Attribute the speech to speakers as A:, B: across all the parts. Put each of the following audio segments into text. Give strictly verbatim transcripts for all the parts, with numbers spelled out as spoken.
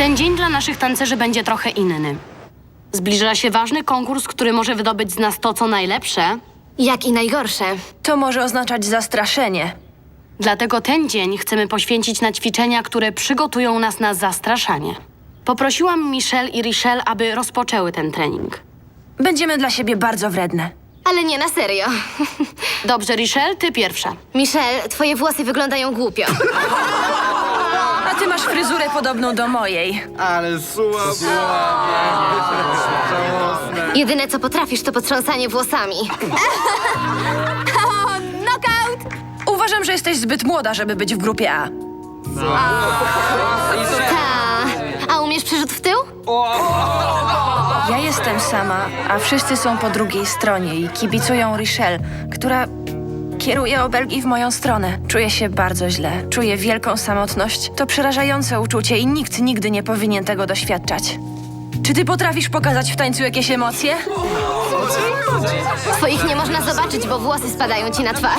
A: Ten dzień dla naszych tancerzy będzie trochę inny. Zbliża się ważny konkurs, który może wydobyć z nas to, co najlepsze.
B: Jak i najgorsze.
C: To może oznaczać zastraszenie.
A: Dlatego ten dzień chcemy poświęcić na ćwiczenia, które przygotują nas na zastraszanie. Poprosiłam Michelle i Richelle, aby rozpoczęły ten trening.
C: Będziemy dla siebie bardzo wredne.
B: Ale nie na serio.
A: Dobrze, Richelle, ty pierwsza.
B: Michelle, twoje włosy wyglądają głupio.
C: A ty masz fryzurę podobną do mojej.
D: Ale słabo.
B: Jedyne, co potrafisz, to potrząsanie włosami. Knockout!
C: Uważam, że jesteś zbyt młoda, żeby być w grupie A.
B: Ta. A umiesz przerzut w tył?
C: Ja jestem sama, a wszyscy są po drugiej stronie i kibicują Richelle, która kieruje obelgi w moją stronę. Czuję się bardzo źle. Czuję wielką samotność. To przerażające uczucie i nikt nigdy nie powinien tego doświadczać. Czy ty potrafisz pokazać w tańcu jakieś emocje?
B: Twoich nie można zobaczyć, bo włosy spadają ci na twarz.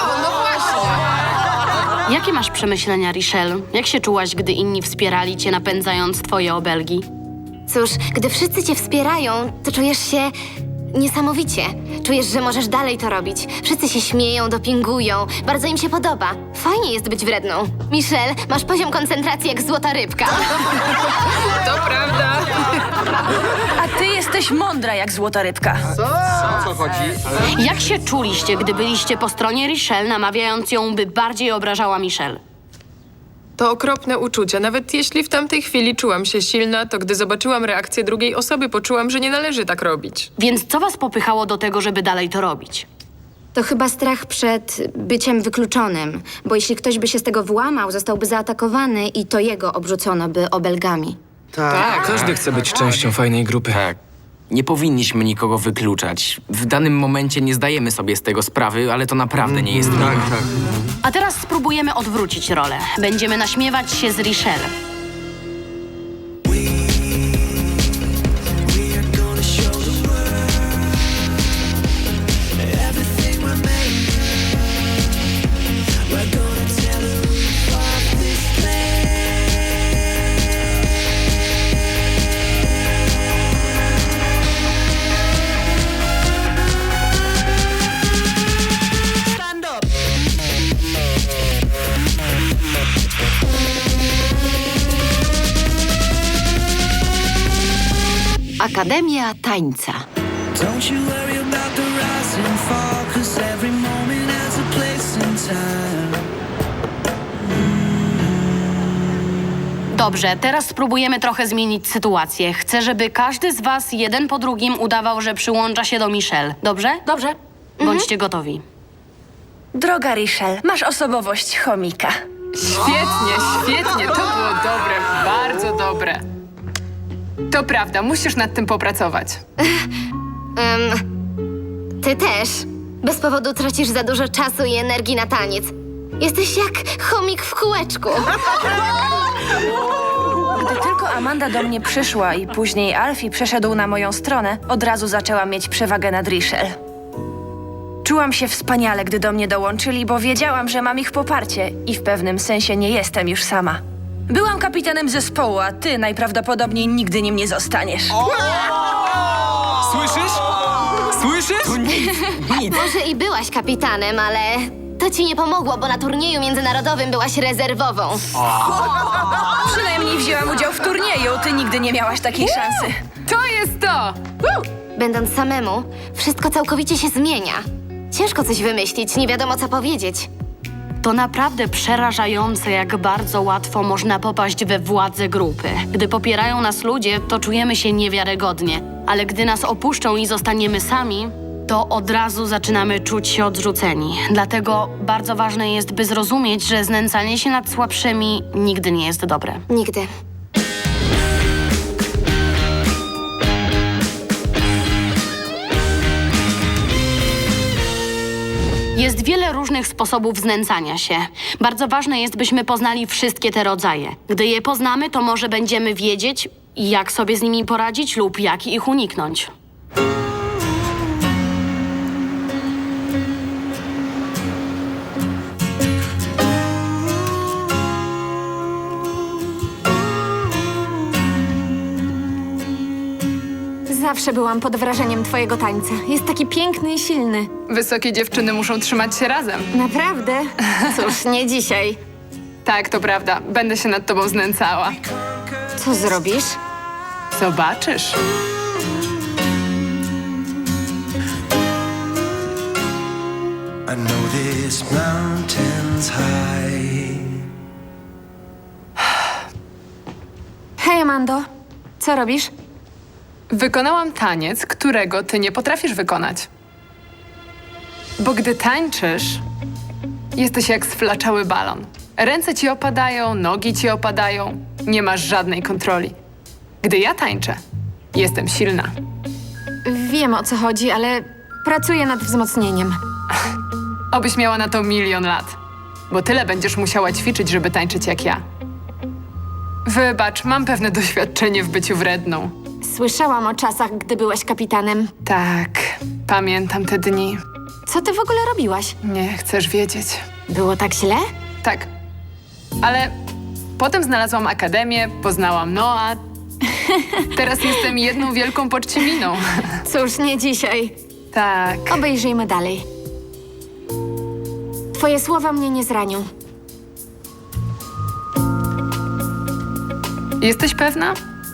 A: Jakie masz przemyślenia, Richelle? Jak się czułaś, gdy inni wspierali cię, napędzając twoje obelgi?
B: Cóż, gdy wszyscy cię wspierają, to czujesz się niesamowicie. Czujesz, że możesz dalej to robić. Wszyscy się śmieją, dopingują. Bardzo im się podoba. Fajnie jest być wredną. Michelle, masz poziom koncentracji jak złota rybka.
C: A ty jesteś mądra jak złota rybka.
D: O co chodzi?
A: Jak się czuliście, gdy byliście po stronie Richelle, namawiając ją, by bardziej obrażała Michelle?
E: To okropne uczucie. Nawet jeśli w tamtej chwili czułam się silna, to gdy zobaczyłam reakcję drugiej osoby, poczułam, że nie należy tak robić.
A: Więc co was popychało do tego, żeby dalej to robić?
F: To chyba strach przed byciem wykluczonym, bo jeśli ktoś by się z tego wyłamał, zostałby zaatakowany i to jego obrzucono by obelgami.
D: Tak.
G: Każdy chce być częścią fajnej grupy.
H: Tak. Nie powinniśmy nikogo wykluczać. W danym momencie nie zdajemy sobie z tego sprawy, ale to naprawdę nie jest miłe.
D: Tak, tak.
A: A teraz spróbujemy odwrócić rolę. Będziemy naśmiewać się z Richelle.
I: Akademia Tańca.
J: Don't you worry about the rise and fall, 'cause every moment has a place in time.
A: Dobrze, teraz spróbujemy trochę zmienić sytuację. Chcę, żeby każdy z was jeden po drugim udawał, że przyłącza się do Michelle. Dobrze?
B: Dobrze.
A: Bądźcie gotowi.
C: Droga Richelle, masz osobowość chomika.
E: Świetnie, świetnie. To było dobre, bardzo dobre. To prawda, musisz nad tym popracować.
B: Ty też. Bez powodu tracisz za dużo czasu i energii na taniec. Jesteś jak chomik w kółeczku.
C: Gdy tylko Amanda do mnie przyszła i później Alfie przeszedł na moją stronę, od razu zaczęłam mieć przewagę nad Richelle. Czułam się wspaniale, gdy do mnie dołączyli, bo wiedziałam, że mam ich poparcie i w pewnym sensie nie jestem już sama. Byłam kapitanem zespołu, a ty najprawdopodobniej nigdy nim nie zostaniesz.
G: Słyszysz? Słyszysz?
B: Może i byłaś kapitanem, ale to ci nie pomogło, bo na turnieju międzynarodowym byłaś rezerwową.
C: Przynajmniej wzięłam udział w turnieju, ty nigdy nie miałaś takiej szansy.
E: To jest to!
B: Będąc samemu, wszystko całkowicie się zmienia. Ciężko coś wymyślić, nie wiadomo co powiedzieć.
A: To naprawdę przerażające, jak bardzo łatwo można popaść we władzę grupy. Gdy popierają nas ludzie, to czujemy się niewiarygodnie. Ale gdy nas opuszczą i zostaniemy sami, to od razu zaczynamy czuć się odrzuceni. Dlatego bardzo ważne jest, by zrozumieć, że znęcanie się nad słabszymi nigdy nie jest dobre.
B: Nigdy.
A: Jest wiele różnych sposobów znęcania się. Bardzo ważne jest, byśmy poznali wszystkie te rodzaje. Gdy je poznamy, to może będziemy wiedzieć, jak sobie z nimi poradzić lub jak ich uniknąć.
I: Zawsze byłam pod wrażeniem twojego tańca. Jest taki piękny i silny.
E: Wysokie dziewczyny muszą trzymać się razem.
I: Naprawdę? Cóż, nie dzisiaj.
E: Tak, to prawda. Będę się nad tobą znęcała.
I: Co zrobisz?
E: Zobaczysz.
J: I know this mountain's high.
I: Hej, Amando. Co robisz?
E: Wykonałam taniec, którego ty nie potrafisz wykonać. Bo gdy tańczysz, jesteś jak sflaczały balon. Ręce ci opadają, nogi ci opadają, nie masz żadnej kontroli. Gdy ja tańczę, jestem silna.
I: Wiem, o co chodzi, ale pracuję nad wzmocnieniem.
E: Obyś miała na to milion lat, bo tyle będziesz musiała ćwiczyć, żeby tańczyć jak ja. Wybacz, mam pewne doświadczenie w byciu wredną.
I: Słyszałam o czasach, gdy byłeś kapitanem.
E: Tak, pamiętam te dni.
I: Co ty w ogóle robiłaś?
E: Nie chcesz wiedzieć.
I: Było tak źle?
E: Tak, ale potem znalazłam akademię, poznałam Noa. Teraz jestem jedną wielką poczciminą.
I: Cóż, nie dzisiaj.
E: Tak.
I: Obejrzyjmy dalej. Twoje słowa mnie nie zranią.
E: Jesteś pewna?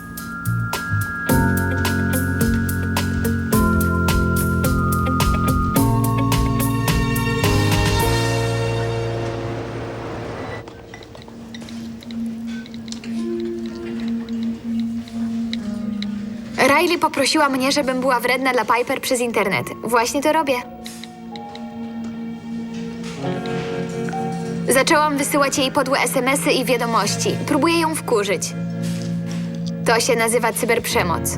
B: Riley poprosiła mnie, żebym była wredna dla Piper przez internet. Właśnie to robię. Zaczęłam wysyłać jej podłe es em esy i wiadomości. Próbuję ją wkurzyć. To się nazywa cyberprzemoc.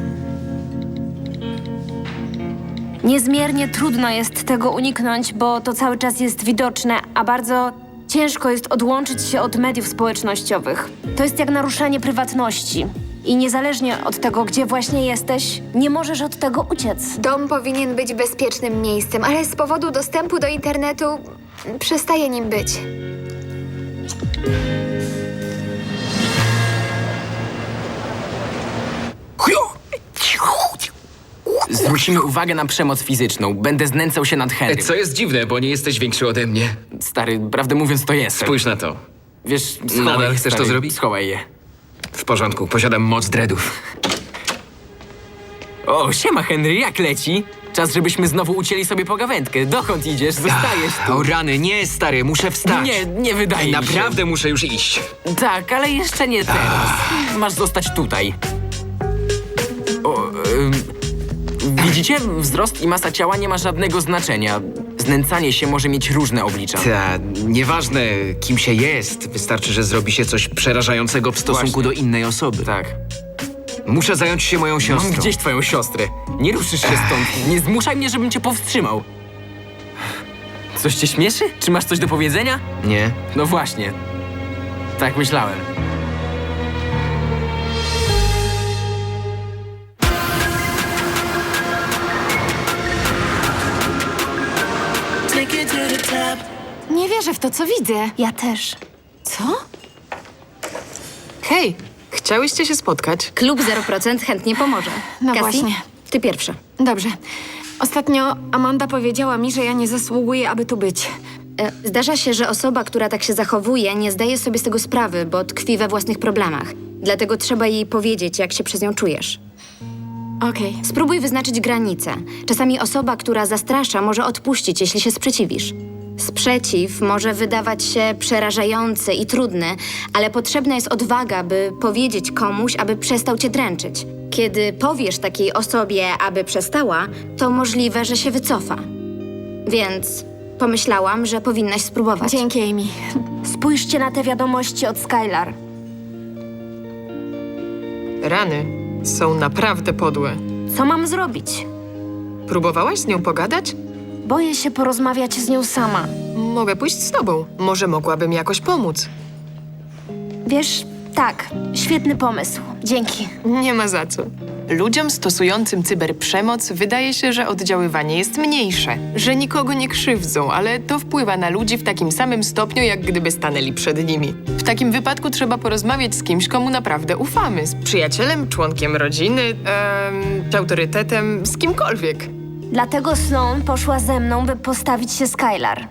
C: Niezmiernie trudno jest tego uniknąć, bo to cały czas jest widoczne, a bardzo ciężko jest odłączyć się od mediów społecznościowych. To jest jak naruszanie prywatności. I niezależnie od tego, gdzie właśnie jesteś, nie możesz od tego uciec.
B: Dom powinien być bezpiecznym miejscem, ale z powodu dostępu do internetu przestaje nim być.
H: Zwrócimy uwagę na przemoc fizyczną. Będę znęcał się nad Henrym.
G: Co jest dziwne, bo nie jesteś większy ode mnie.
H: Stary, prawdę mówiąc, to jestem.
G: Spójrz na to.
H: Wiesz, schowaj
G: Nadal
H: je,
G: chcesz
H: stary,
G: to zrobić?
H: Schowaj je.
G: W porządku, posiadam moc dreadów.
H: O, siema Henry, jak leci? Czas, żebyśmy znowu ucięli sobie pogawędkę. Dokąd idziesz? Zostajesz tu.
G: O rany, nie stary, muszę wstać.
H: Nie, nie wydaje mi się.
G: Naprawdę muszę już iść.
H: Tak, ale jeszcze nie teraz. Masz zostać tutaj. O, ym, widzicie? Wzrost i masa ciała nie ma żadnego znaczenia. Znęcanie się może mieć różne oblicza.
G: Ta, nieważne kim się jest, wystarczy, że zrobi się coś przerażającego w stosunku
H: Właśnie.
G: do innej osoby.
H: Tak.
G: Muszę zająć się moją siostrą.
H: Mam gdzieś twoją siostrę. Nie ruszysz się stąd. Nie zmuszaj mnie, żebym cię powstrzymał. Coś cię śmieszy? Czy masz coś do powiedzenia?
G: Nie?
H: No właśnie. Tak myślałem.
J: Take it to the top.
I: Nie wierzę w to, co widzę.
C: Ja też.
I: Co?
E: Hej, chciałyście się spotkać?
F: Klub zero procent chętnie pomoże.
I: No
F: Cassie,
I: właśnie.
F: ty pierwsza.
I: Dobrze. Ostatnio Amanda powiedziała mi, że ja nie zasługuję, aby tu być.
F: E, Zdarza się, że osoba, która tak się zachowuje, nie zdaje sobie z tego sprawy, bo tkwi we własnych problemach. Dlatego trzeba jej powiedzieć, jak się przez nią czujesz.
I: Okej.
F: Spróbuj wyznaczyć granice. Czasami osoba, która zastrasza, może odpuścić, jeśli się sprzeciwisz. Sprzeciw może wydawać się przerażający i trudny, ale potrzebna jest odwaga, by powiedzieć komuś, aby przestał cię dręczyć. Kiedy powiesz takiej osobie, aby przestała, to możliwe, że się wycofa. Więc pomyślałam, że powinnaś spróbować.
I: Dzięki, Amy.
C: Spójrzcie na te wiadomości od Skylar.
E: Rany są naprawdę podłe.
C: Co mam zrobić?
E: Próbowałaś z nią pogadać?
C: Boję się porozmawiać z nią sama.
E: Mogę pójść z tobą. Może mogłabym jakoś pomóc.
C: Wiesz, tak, świetny pomysł. Dzięki.
E: Nie ma za co.
K: Ludziom stosującym cyberprzemoc wydaje się, że oddziaływanie jest mniejsze, że nikogo nie krzywdzą, ale to wpływa na ludzi w takim samym stopniu, jak gdyby stanęli przed nimi. W takim wypadku trzeba porozmawiać z kimś, komu naprawdę ufamy. Z przyjacielem, członkiem rodziny, em, czy autorytetem, z kimkolwiek.
C: Dlatego Sloan poszła ze mną, by postawić się Skylar.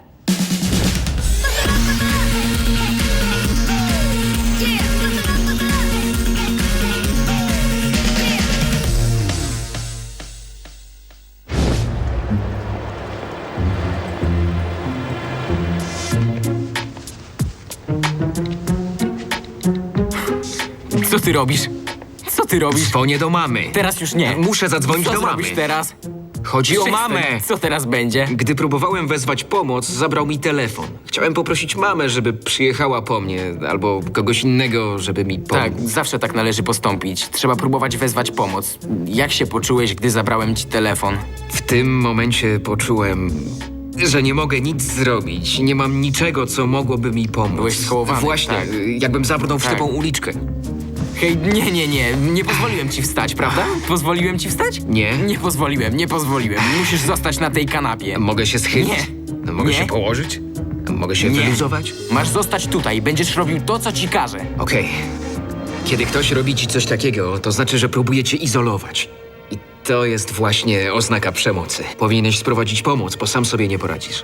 H: Co ty robisz? Co ty robisz?
G: Dzwonię do mamy.
H: Teraz już nie.
G: Muszę zadzwonić
H: Co
G: do mamy.
H: zrobisz teraz?
G: Chodzi o
H: Przestań.
G: mamę.
H: Co teraz będzie?
G: Gdy próbowałem wezwać pomoc, zabrał mi telefon. Chciałem poprosić mamę, żeby przyjechała po mnie, albo kogoś innego, żeby mi pomógł.
H: Tak, zawsze tak należy postąpić. Trzeba próbować wezwać pomoc. Jak się poczułeś, gdy zabrałem ci telefon?
G: W tym momencie poczułem, że nie mogę nic zrobić. Nie mam niczego, co mogłoby mi pomóc.
H: Byłeś schołowany,
G: Właśnie,
H: tak.
G: jakbym zabrnął w
H: Tak.
G: ślepą uliczkę.
H: Hej, nie, nie, nie. Nie pozwoliłem ci wstać, prawda? Pozwoliłem ci wstać?
G: Nie.
H: Nie pozwoliłem, nie pozwoliłem. Musisz zostać na tej kanapie.
G: Mogę się schylić?
H: Nie.
G: Mogę
H: Nie.
G: się położyć? Mogę się
H: Nie.
G: wyluzować?
H: Masz zostać tutaj. Będziesz robił to, co ci każę.
G: Okej. Kiedy ktoś robi ci coś takiego, to znaczy, że próbuje cię izolować. I to jest właśnie oznaka przemocy. Powinieneś sprowadzić pomoc, bo sam sobie nie poradzisz.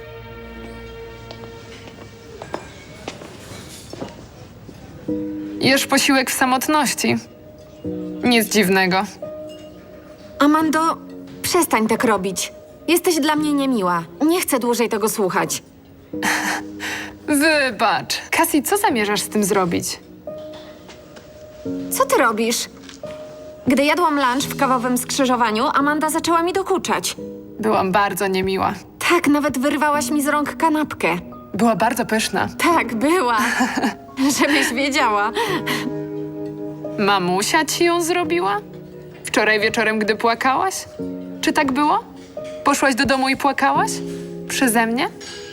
E: Jesz posiłek w samotności. Nic dziwnego.
I: Amando, przestań tak robić. Jesteś dla mnie niemiła. Nie chcę dłużej tego słuchać.
E: Wybacz. Cassie, co zamierzasz z tym zrobić?
I: Co ty robisz? Gdy jadłam lunch w kawowym skrzyżowaniu, Amanda zaczęła mi dokuczać.
E: Byłam bardzo niemiła.
I: Tak, nawet wyrwałaś mi z rąk kanapkę.
E: Była bardzo pyszna.
I: Tak, była. Żebyś wiedziała.
E: Mamusia ci ją zrobiła? Wczoraj wieczorem, gdy płakałaś? Czy tak było? Poszłaś do domu i płakałaś? Przeze mnie?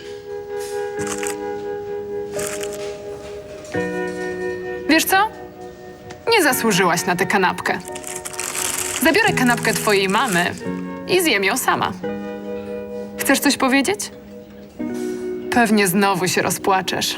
E: Wiesz co? Nie zasłużyłaś na tę kanapkę. Zabiorę kanapkę twojej mamy i zjem ją sama. Chcesz coś powiedzieć? Pewnie znowu się rozpłaczesz.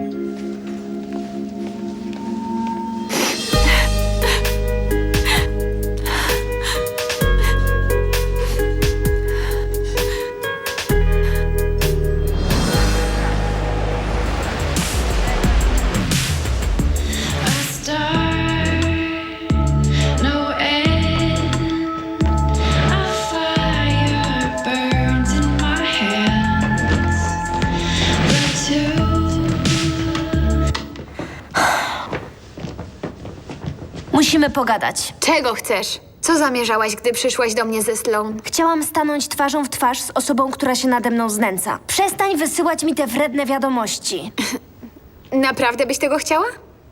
C: Musimy pogadać.
B: Czego chcesz? Co zamierzałaś, gdy przyszłaś do mnie ze Sloan?
C: Chciałam stanąć twarzą w twarz z osobą, która się nade mną znęca. Przestań wysyłać mi te wredne wiadomości.
B: Naprawdę byś tego chciała?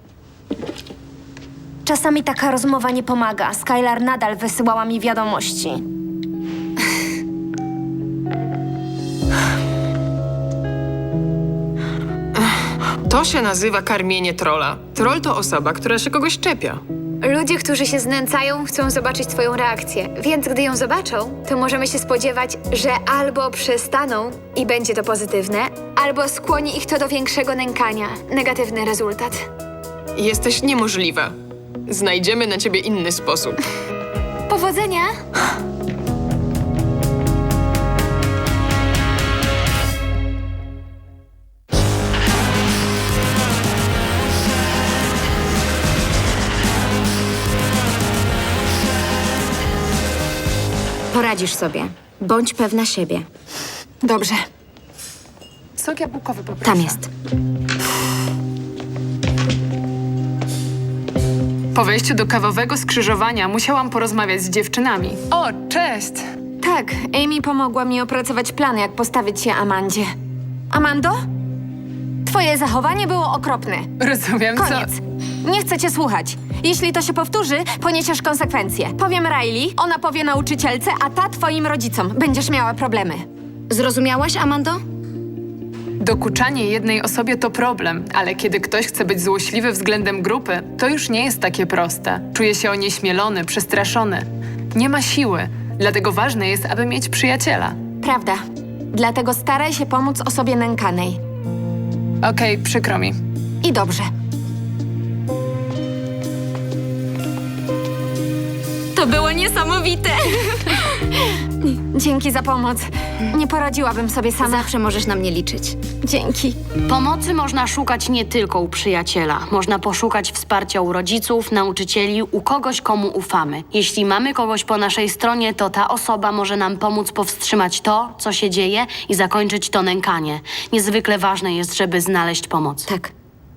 C: Czasami taka rozmowa nie pomaga. Skylar nadal wysyłała mi wiadomości.
K: To się nazywa karmienie trolla. Troll to osoba, która się kogoś czepia.
B: Ludzie, którzy się znęcają, chcą zobaczyć twoją reakcję, więc gdy ją zobaczą, to możemy się spodziewać, że albo przestaną i będzie to pozytywne, albo skłoni ich to do większego nękania. Negatywny rezultat.
K: Jesteś niemożliwa. Znajdziemy na ciebie inny sposób.
B: Powodzenia!
F: Poradzisz sobie. Bądź pewna siebie.
I: Dobrze.
E: Sok jabłkowy poproszę.
F: Tam jest.
E: Po wejściu do kawowego skrzyżowania musiałam porozmawiać z dziewczynami. O, cześć!
I: Tak, Amy pomogła mi opracować plan, jak postawić się Amandzie. Amando? Twoje zachowanie było okropne.
E: Rozumiem, co...
I: Koniec. Nie chcę cię słuchać. Jeśli to się powtórzy, poniesiesz konsekwencje. Powiem Riley, ona powie nauczycielce, a ta twoim rodzicom. Będziesz miała problemy.
F: Zrozumiałaś, Amando?
E: Dokuczanie jednej osobie to problem, ale kiedy ktoś chce być złośliwy względem grupy, to już nie jest takie proste. Czuje się onieśmielony, przestraszony. nie ma siły. Dlatego ważne jest, aby mieć przyjaciela.
I: Prawda. Dlatego staraj się pomóc osobie nękanej.
E: Okej, przykro mi.
I: I dobrze.
B: To było niesamowite!
I: Dzięki za pomoc. Nie poradziłabym sobie sama.
F: Zawsze możesz na mnie liczyć.
I: Dzięki.
A: Pomocy można szukać nie tylko u przyjaciela. Można poszukać wsparcia u rodziców, nauczycieli, u kogoś, komu ufamy. Jeśli mamy kogoś po naszej stronie, to ta osoba może nam pomóc powstrzymać to, co się dzieje i zakończyć to nękanie. Niezwykle ważne jest, żeby znaleźć pomoc.
F: Tak.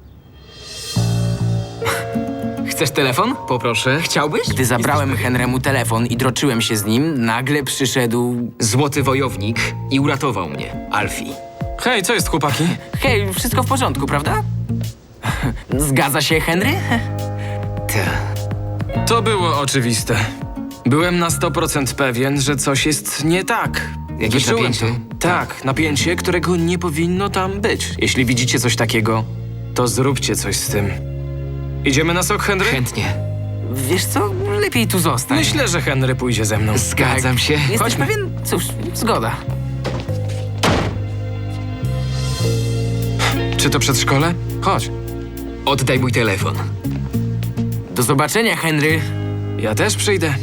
H: Chcesz telefon?
G: Poproszę.
H: Chciałbyś? Gdy zabrałem Henrymu telefon i droczyłem się z nim, nagle przyszedł...
G: Złoty wojownik i uratował mnie. Alfie.
D: Hej, co jest, chłopaki?
H: Hej, wszystko w porządku, prawda? Zgadza się, Henry?
G: Ta.
D: To było oczywiste. Byłem na sto procent pewien, że coś jest nie tak.
G: Jakieś
D: Wyczułem
G: napięcie?
D: to. Tak, napięcie, którego nie powinno tam być. Jeśli widzicie coś takiego, to zróbcie coś z tym. Idziemy na sok, Henry?
G: Chętnie.
H: Wiesz co, lepiej tu zostań.
D: Myślę, że Henry pójdzie ze mną.
G: Zgadzam się.
H: Jesteś
D: Chodźmy.
H: pewien? Cóż, zgoda.
D: Czy to przedszkole? Chodź.
G: Oddaj mój telefon.
H: Do zobaczenia, Henry.
D: Ja też przyjdę.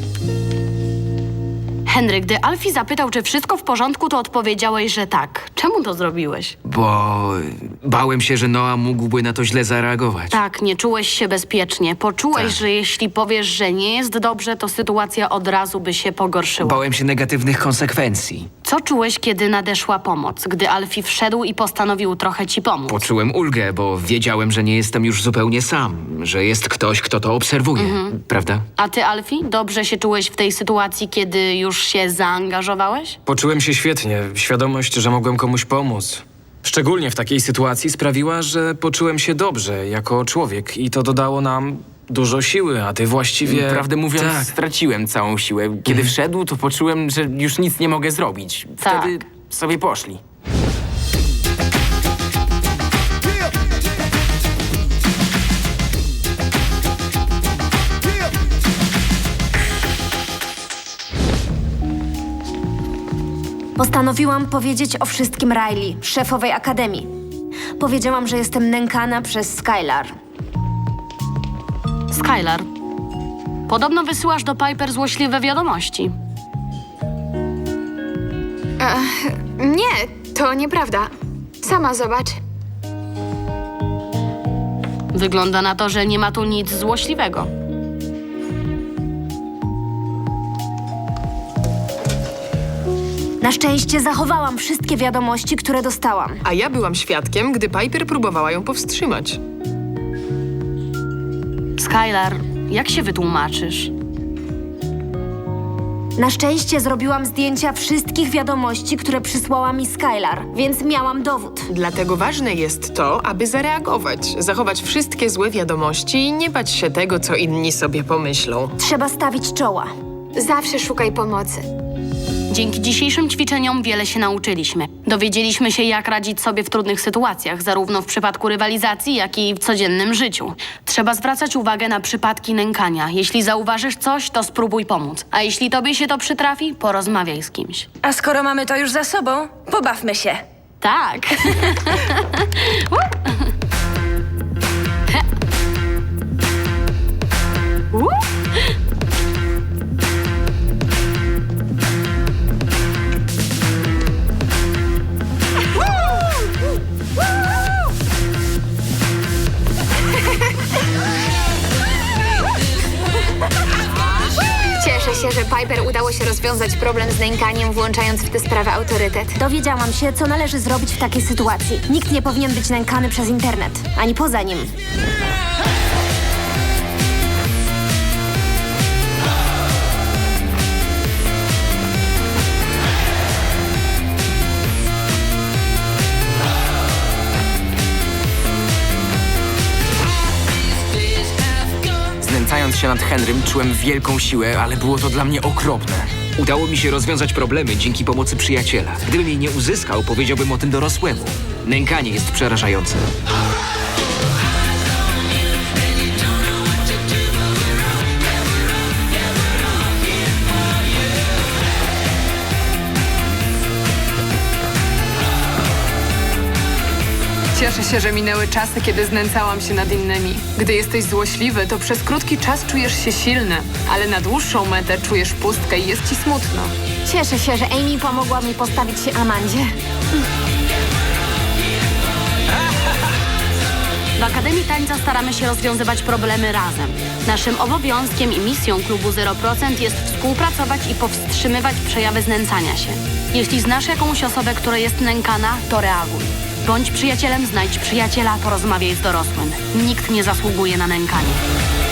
A: Henry, gdy Alfie zapytał, czy wszystko w porządku, to odpowiedziałeś, że tak. Czemu to zrobiłeś?
G: Bo bałem się, że Noah mógłby na to źle zareagować.
A: Tak, nie czułeś się bezpiecznie. Poczułeś,
G: Tak.
A: że jeśli powiesz, że nie jest dobrze, to sytuacja od razu by się pogorszyła.
G: Bałem się negatywnych konsekwencji.
A: Co czułeś, kiedy nadeszła pomoc? Gdy Alfie wszedł i postanowił trochę ci pomóc?
G: Poczułem ulgę, bo wiedziałem, że nie jestem już zupełnie sam, że jest ktoś, kto to obserwuje. Prawda?
A: A ty, Alfie, dobrze się czułeś w tej sytuacji, kiedy już się zaangażowałeś?
D: Poczułem się świetnie. Świadomość, że mogłem komuś pomóc. Szczególnie w takiej sytuacji sprawiła, że poczułem się dobrze jako człowiek i to dodało nam dużo siły, a ty właściwie...
H: Prawdę mówiąc,
D: Tak.
H: straciłem całą siłę. Kiedy wszedł, to poczułem, że już nic nie mogę zrobić. Wtedy sobie poszli.
C: Postanowiłam powiedzieć o wszystkim Riley, szefowej akademii. Powiedziałam, że jestem nękana przez Skylar.
A: Skylar, podobno wysyłasz do Piper złośliwe wiadomości.
B: Nie, to nieprawda. Sama zobacz.
A: Wygląda na to, że nie ma tu nic złośliwego.
C: Na szczęście zachowałam wszystkie wiadomości, które dostałam.
K: A ja byłam świadkiem, gdy Piper próbowała ją powstrzymać.
A: Skylar, jak się wytłumaczysz?
C: Na szczęście zrobiłam zdjęcia wszystkich wiadomości, które przysłała mi Skylar, więc miałam dowód.
K: Dlatego ważne jest to, aby zareagować, zachować wszystkie złe wiadomości i nie bać się tego, co inni sobie pomyślą.
C: Trzeba stawić czoła.
B: Zawsze szukaj pomocy.
A: Dzięki dzisiejszym ćwiczeniom wiele się nauczyliśmy. Dowiedzieliśmy się, jak radzić sobie w trudnych sytuacjach, zarówno w przypadku rywalizacji, jak i w codziennym życiu. Trzeba zwracać uwagę na przypadki nękania. Jeśli zauważysz coś, to spróbuj pomóc. A jeśli tobie się to przytrafi, porozmawiaj z kimś.
C: A skoro mamy to już za sobą, pobawmy się.
A: Tak.
B: Cieszę się, że Piper udało się rozwiązać problem z nękaniem, włączając w tę sprawę autorytet.
C: Dowiedziałam się, co należy zrobić w takiej sytuacji. Nikt nie powinien być nękany przez internet, ani poza nim.
H: Znęcając się nad Henrym, czułem wielką siłę, ale było to dla mnie okropne.
G: Udało mi się rozwiązać problemy dzięki pomocy przyjaciela. Gdybym jej nie uzyskał, powiedziałbym o tym dorosłemu. Nękanie jest przerażające.
E: Cieszę się, że minęły czasy, kiedy znęcałam się nad innymi. Gdy jesteś złośliwy, to przez krótki czas czujesz się silny, ale na dłuższą metę czujesz pustkę i jest ci smutno.
I: Cieszę się, że Amy pomogła mi postawić się Amandzie.
A: W Akademii Tańca staramy się rozwiązywać problemy razem. Naszym obowiązkiem i misją klubu zero procent jest współpracować i powstrzymywać przejawy znęcania się. Jeśli znasz jakąś osobę, która jest nękana, to reaguj. Bądź przyjacielem, znajdź przyjaciela, porozmawiaj z dorosłym. Nikt nie zasługuje na nękanie.